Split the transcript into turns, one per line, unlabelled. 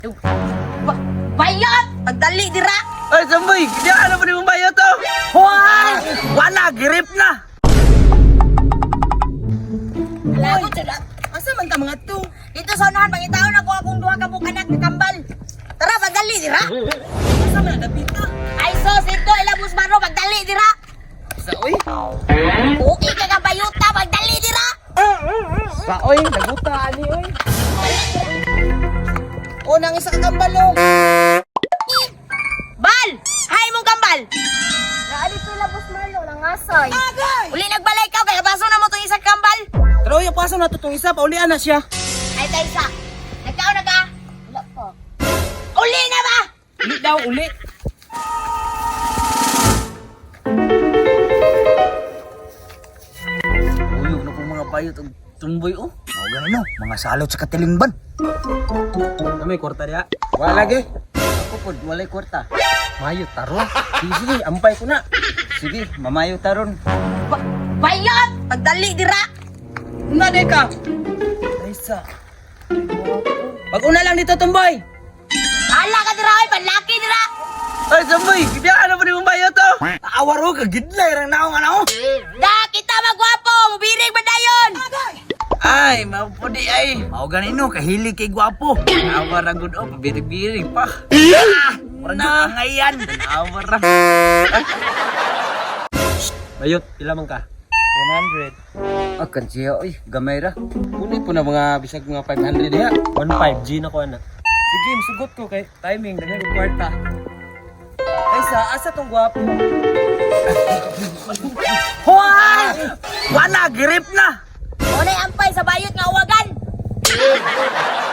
Bayot! Pagdali dira!
Ay, Samboy! Kaya ano pa ni mong bayo to? Hoy! Wala! Girip na!
Lagot sa dat.
Asa man ta mga to?
Dito sa unahan, pangitaon ako akong duha ka bukanak na kambal. Tara, pagdali dira!
Asa man napita?
Ay sos, ito, ilabos maro, pagdali dira!
Sa oy?
Uki ka ka bayuta, pagdali dira!
Sa oy, naguta ani oy. O nang isa ka kambal o.
Bal! Hay mong kambal!
Naali to labos Marlo, nangasay.
Uli nagbalay ka, kaya baso na mo itong isang kambal.
Pero yung paso na to itong isa, paulian na siya.
Ay, Taysa, nagkaon na ka?
Wala pa.
Uli na ba?
Uli daw, uli. Uy, ano pong mga bayot ang tumboy o?
Mao gani no, mga salot sa katilingban.
May kwarta diya? Wala lagi. Ako po, walay kwarta. Mayo taron. Sige, sige, ampay ko na. Sige, mamayo taron.
Bayot! Pagdali dira!
Una de ka. Aysa. Pag-una lang dito, tumboy.
Hala ka dira, oy, panlaki dira!
Ay, Samboy, kaya ano pa ni mong bayo to? Awaro ka, gidlay rang naong ano?
Da, kita magwapo! Mubirig ba dayon?
Ay, mapudi ay. Mao gani no, kahilig kay gwapo. Awar ang good o, birig-birig pa. Mura na ngayon. Awar ra. Bayot, pila man ka? 100. Akan siya, oy, gamay ra. Kuni po na mga bisag mga 500 diha.
1.5G na ko ana.
Sige, masugot ko kay timing, daghan og kwarta. Ay asa tong gwapo? Hoy! Wala, girip na!
Unay ampay sa bayot nga uwagan!